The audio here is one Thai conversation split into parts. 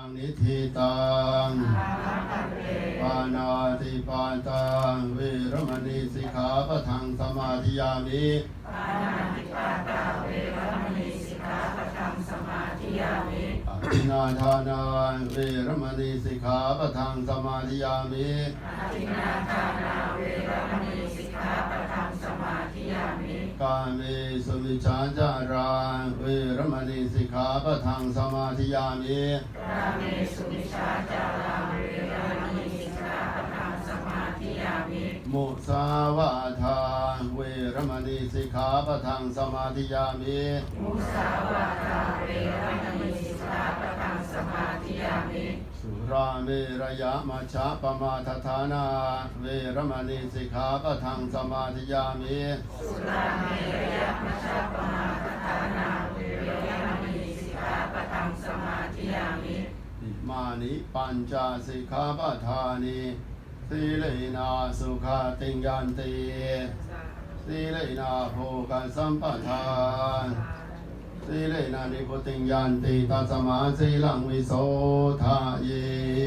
นิธิตังปานาติปาตังเวรมณีสิกขาปะทังสมาธิยามิปานาติปาตาเวรมณีสิกขาปะทังสมาธิยามิอภินาทานาเวรมณีสิกขาปะทังสมาธิยามิอภินาทานาเวรมณีสิกขาปะทังสมาธิยามิกาเมสุมิจฉาจาราเวรมณีสิกขาปะทังสมาธิยามิกาเมสุมิจฉาจาราเวรมณีสิกขาปะทังสมาธิยามิมุสาวาทาเวรมณีสิกขาปะทังสมาธิยามิมุสาวาทาเวรมณีสิกขาปะทังสมาธิยามิสุราเมรยะมัชฌะปมาทฐานาเวรมณีสิกขาปะทังสมาธิยามิสุราเมรยะมัชฌะปมาทฐานาเวรมณีสิกขาปะทังสมาธิยามิอิมานิปัญจสิกขาปทานิสีเลนะสุขาติยันติสีเลนะโภคสัมปทานสีเลนะนิพุติยันติตัสมาสีลังวิโสทาเย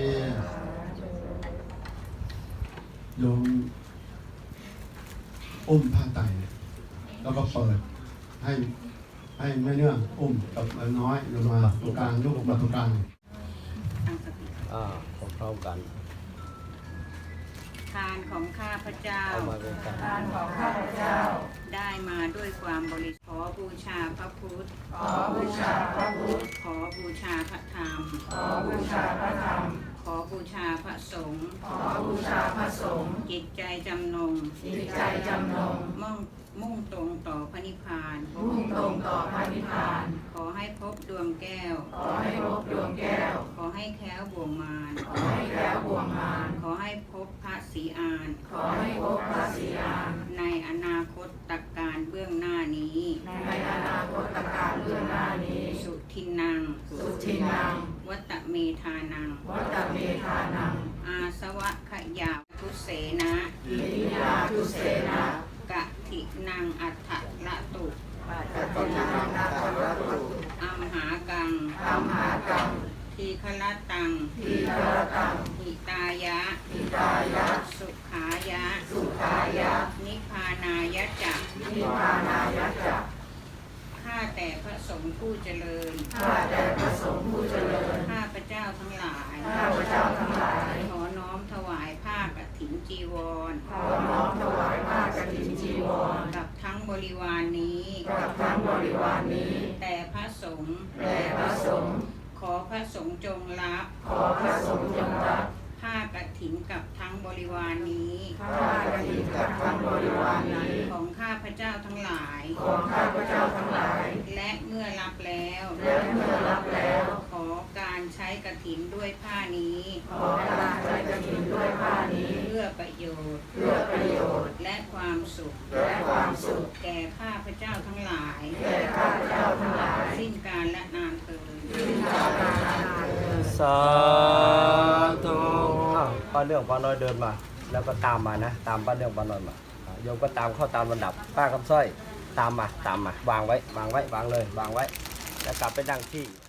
โยมอุ้มผ้าไตรแล้วก็เปิดให้แม่เนื้ออุ้มกับน้อยลงมาตรงกลางลูกมาตรงกลางพร้อมกันทานของข้าพเจ้าทานของข้าพเจ้าได้มาด้วยความบริสุทธิ์ขอบูชาพระพุทธขอบูชาพระพุทธขอบูชาพระธรรมขอบูชาพระธรรมขอบูชาพระสงฆ์ขอบูชาพระสงฆ์จิตใจจำนงมุ่งตรงต่อพระนิพพานมุ่งตรงต่อพระนิพพานขอให้พบดวงแก้วขอให้พบดวงแก้วขอให้แคล้วบ่วงมารขอให้แคล้วบ่วงมารขอให้พบพระศรีอานขอให้พบพระศรีอานในอนาคตการเบื้องหน้านี้ในอนาคตการเบื้องหน้านี้สุทินังวัตเมธานังอาสวะขยาทุเสนะอิริยาทุเสนะกะทินังอัฏฐละตุอัมหากังทีฆลตังหิตายะสุขายะนิพพานายะจักข้าแต่พระสงฆ์ผู้เจริญข้าพเจ้าทั้งหลายขอน้อมถวายผ้ากฐินจีวรกับทั้งบริวารนี้ แต่พระสงฆ์ขอพระสงฆ์จงรับผ้ากฐินกับทั้งบริวารนี้ของข้าพเจ้าทั้งหลายและเมื่อรับแล้วขอการใช้กฐินด้วยผ้านี้เพื่อประโยชน์และความสุขแก่ข้าพเจ้าทั้งหลายสิ้นกาลและนานเถิดสาธุป้าเรื่องป้าน้อยเดินมาแล้วก็ตามมานะตามป้าเรื่องป้าน้อยมาโยมก็ตามเข้าตามลำดับป้าคำสร้อยตามมาวางไว้วางเลยแล้วกลับไปนั่งที่